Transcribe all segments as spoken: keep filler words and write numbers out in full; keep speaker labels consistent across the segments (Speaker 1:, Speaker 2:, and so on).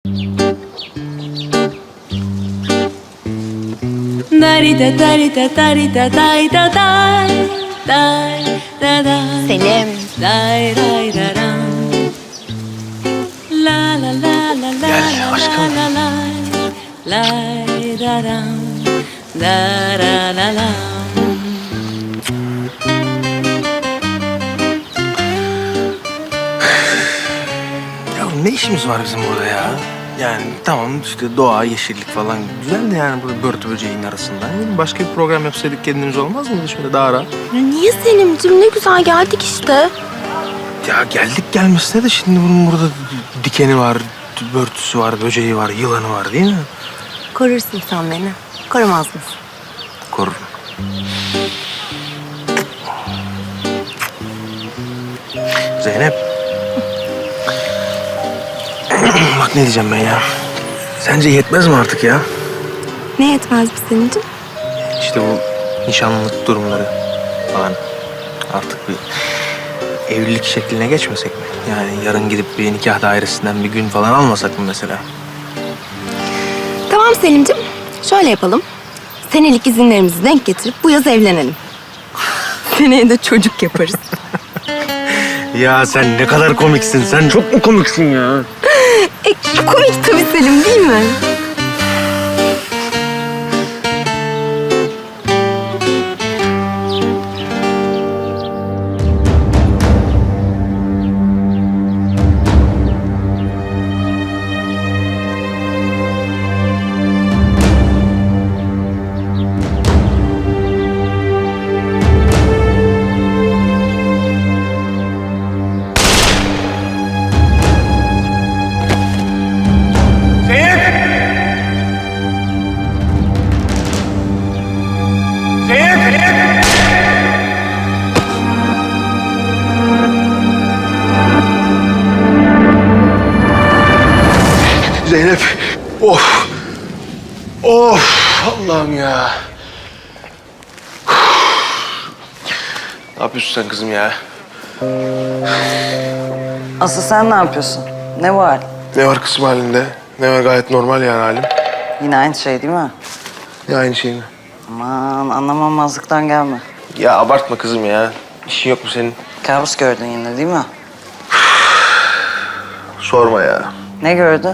Speaker 1: Selim.
Speaker 2: Gel aşkım. Ya ne işimiz var bizim burada ya? Yani tamam işte doğa, yeşillik falan güzel de yani burada börtü böceğin arasında. Yani başka bir program yapsaydık kendimiz olmaz mıydı şöyle daha rahat?
Speaker 1: Niye Selim'cim? Ne güzel geldik işte.
Speaker 2: Ya geldik gelmesine de şimdi bunun burada dikeni var, börtüsü var, böceği var, yılanı var değil mi?
Speaker 1: Korursun sen beni. Korumaz mısın?
Speaker 2: Korurum. Zeynep. Bak ne diyeceğim ben ya. Sence yetmez mi artık ya?
Speaker 1: Ne yetmez mi Selim'cim?
Speaker 2: İşte bu nişanlılık durumları falan artık bir evlilik şekline geçmesek mi? Yani yarın gidip bir nikah dairesinden bir gün falan almasak mı mesela?
Speaker 1: Tamam Selim'cim. Şöyle yapalım. Senelik izinlerimizi denk getirip bu yaz evlenelim. Seneye de çocuk yaparız.
Speaker 2: Ya sen ne kadar komiksin. Sen çok mu komiksin ya?
Speaker 1: E, komik tabii Selim değil mi?
Speaker 2: Zeynep. Of. Of. Allah'ım ya. Ne yapıyorsun sen kızım ya?
Speaker 3: Asıl sen ne yapıyorsun? Ne var?
Speaker 2: Ne var kızım halinde? Ne var gayet normal yani halim.
Speaker 3: Yine aynı şey değil mi?
Speaker 2: Ne aynı şey mi?
Speaker 3: Aman anlamamazlıktan gelme.
Speaker 2: Ya abartma kızım ya. İşin yok mu senin?
Speaker 3: Kabus gördün yine değil mi?
Speaker 2: Sorma ya.
Speaker 3: Ne gördün?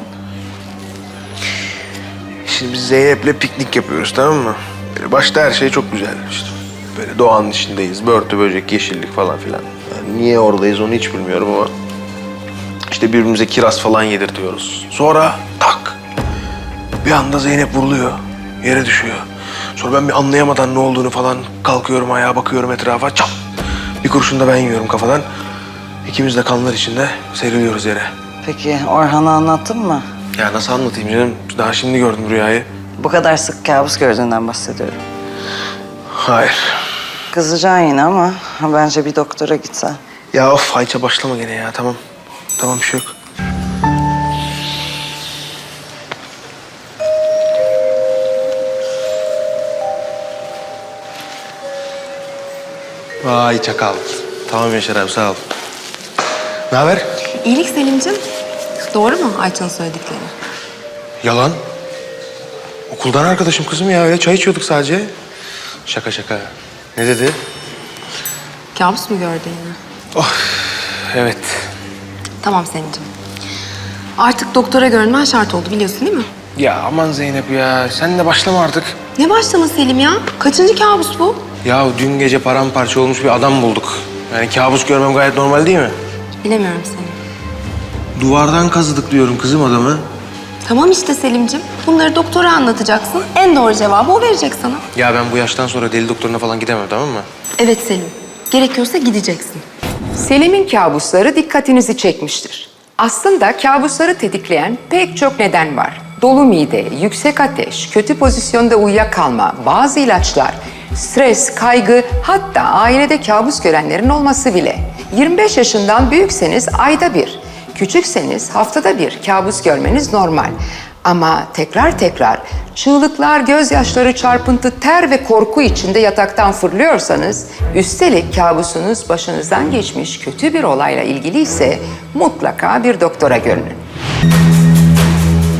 Speaker 2: Şimdi biz Zeynep'le piknik yapıyoruz tamam mı? Böyle başta her şey çok güzel işte. Böyle doğanın içindeyiz. Börtü, böcek, yeşillik falan filan. Yani niye oradayız onu hiç bilmiyorum ama... işte birbirimize kiraz falan yedirtiyoruz. Sonra tak! Bir anda Zeynep vuruluyor. Yere düşüyor. Sonra ben bir anlayamadan ne olduğunu falan kalkıyorum ayağa bakıyorum etrafa. Çap! Bir kurşun da ben yiyorum kafadan. İkimiz de kanlar içinde seriliyoruz yere.
Speaker 3: Peki Orhan'a anlattın mı?
Speaker 2: Ya nasıl anlatayım canım? Daha şimdi gördüm rüyayı.
Speaker 3: Bu kadar sık kabus gördüğünden bahsediyorum.
Speaker 2: Hayır.
Speaker 3: Kızacaksın yine ama bence bir doktora gitsen.
Speaker 2: Ya of Ayça başlama gene ya tamam. Tamam bir şey yok. Vay çakal. Tamam Yaşar abi sağ ol. Ne haber?
Speaker 1: İyilik Selim'cim. Doğru mu Ayça'nın söyledikleri?
Speaker 2: Yalan. Okuldan arkadaşım kızım ya öyle çay içiyorduk sadece. Şaka şaka. Ne dedi?
Speaker 1: Kabus mu gördün yine?
Speaker 2: Oh evet.
Speaker 1: Tamam Selim'cim. Artık doktora görünmen şart oldu biliyorsun değil mi?
Speaker 2: Ya aman Zeynep ya sen de başlama artık.
Speaker 1: Ne başlama Selim ya? Kaçıncı kabus bu?
Speaker 2: Ya dün gece paramparça olmuş bir adam bulduk. Yani kabus görmem gayet normal değil mi?
Speaker 1: Bilemiyorum Selim.
Speaker 2: Duvardan kazıdık diyorum kızım adamı.
Speaker 1: Tamam işte Selim'cim. Bunları doktora anlatacaksın. En doğru cevabı o verecek sana.
Speaker 2: Ya ben bu yaştan sonra deli doktoruna falan gidemem tamam mı?
Speaker 1: Evet Selim. Gerekiyorsa gideceksin.
Speaker 4: Selim'in kabusları dikkatinizi çekmiştir. Aslında kabusları tetikleyen pek çok neden var. Dolu mide, yüksek ateş, kötü pozisyonda uyuyakalma, bazı ilaçlar, stres, kaygı, hatta ailede kabus görenlerin olması bile. yirmi beş yaşından büyükseniz ayda bir, küçükseniz haftada bir kabus görmeniz normal. Ama tekrar tekrar çığlıklar, gözyaşları, çarpıntı, ter ve korku içinde yataktan fırlıyorsanız, üstelik kabusunuz başınızdan geçmiş kötü bir olayla ilgili ise mutlaka bir doktora görünün.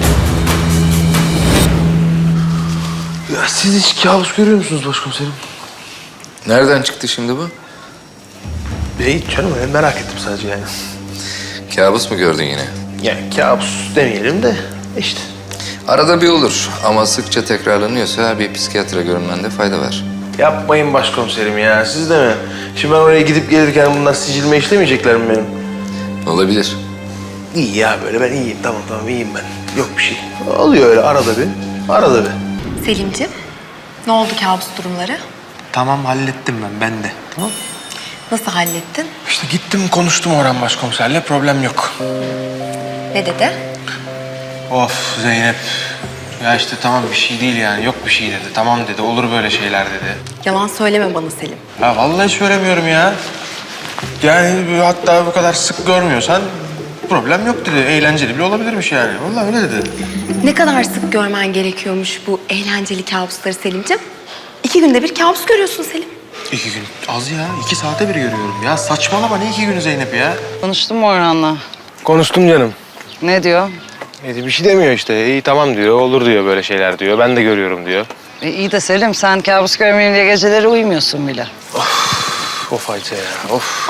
Speaker 2: siz hiç kabus görüyor musunuz başkomiserim?
Speaker 5: Nereden çıktı şimdi bu?
Speaker 2: Ya hiç canım ben merak ettim sadece yani.
Speaker 5: Kabus mu gördün yine?
Speaker 2: Yani kabus demeyelim de işte.
Speaker 5: Arada bir olur ama sıkça tekrarlanıyorsa bir psikiyatra görünmende fayda var.
Speaker 2: Yapmayın başkomiserim ya, siz de mi? Şimdi ben oraya gidip gelirken bunlar sicilme işlemeyecekler mi benim?
Speaker 5: Olabilir.
Speaker 2: İyi ya böyle, ben iyiyim, tamam tamam iyiyim ben. Yok bir şey. Oluyor öyle arada bir, arada bir.
Speaker 1: Selimciğim, ne oldu kabus durumları?
Speaker 2: Tamam hallettim ben, ben de. Tamam.
Speaker 1: Nasıl hallettin?
Speaker 2: İşte gittim konuştum Orhan başkomiserle, problem yok.
Speaker 1: Ne dedi?
Speaker 2: Of Zeynep. Ya işte tamam bir şey değil yani, yok bir şey dedi. Tamam dedi, olur böyle şeyler dedi.
Speaker 1: Yalan söyleme bana Selim.
Speaker 2: Ha vallahi söylemiyorum ya. Yani hatta bu kadar sık görmüyorsan problem yok dedi. Eğlenceli bile olabilirmiş yani. Vallahi öyle dedi.
Speaker 1: Ne kadar sık görmen gerekiyormuş bu eğlenceli kabusları Selimciğim? İki günde bir kabus görüyorsun Selim.
Speaker 2: İki gün az ya. iki saate bir görüyorum ya. Saçmalama, ne iki günü Zeynep ya?
Speaker 3: Konuştun mu Orhan'la?
Speaker 2: Konuştum canım.
Speaker 3: Ne diyor?
Speaker 2: E, bir şey demiyor işte. İyi tamam diyor, olur diyor böyle şeyler diyor. Ben de görüyorum diyor.
Speaker 3: E, iyi de Selim sen kabus görmeyeyim diye geceleri uyumuyorsun bile.
Speaker 2: Of Ayça ya, of.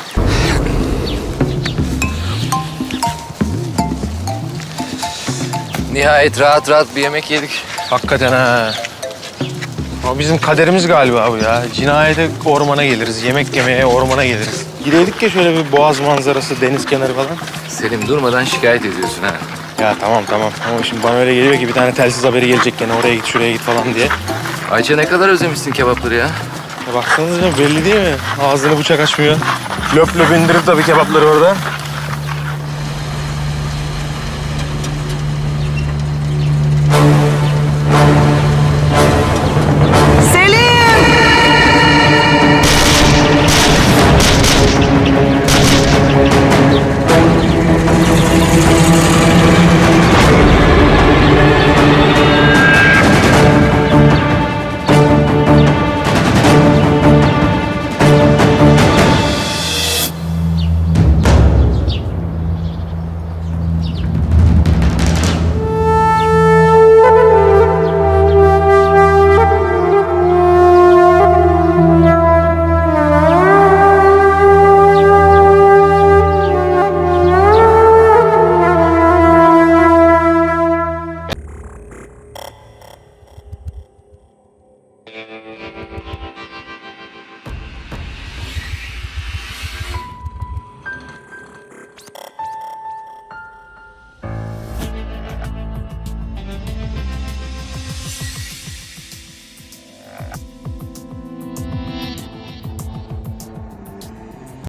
Speaker 5: Nihayet rahat rahat bir yemek yedik.
Speaker 2: Hakikaten ha. Ama bizim kaderimiz galiba bu ya. Cinayete ormana geliriz, yemek yemeye ormana geliriz. Gideydik ya şöyle bir boğaz manzarası, deniz kenarı falan.
Speaker 5: Selim durmadan şikayet ediyorsun ha.
Speaker 2: Ya tamam tamam. Ama şimdi bana öyle geliyor ki bir tane telsiz haberi gelecek gene, oraya git şuraya git falan diye.
Speaker 5: Ayça ne kadar özlemişsin kebapları ya.
Speaker 2: Ya baksanıza canım, belli değil mi? Ağzını bıçak açmıyor. Löp löp indirip tabii kebapları orada.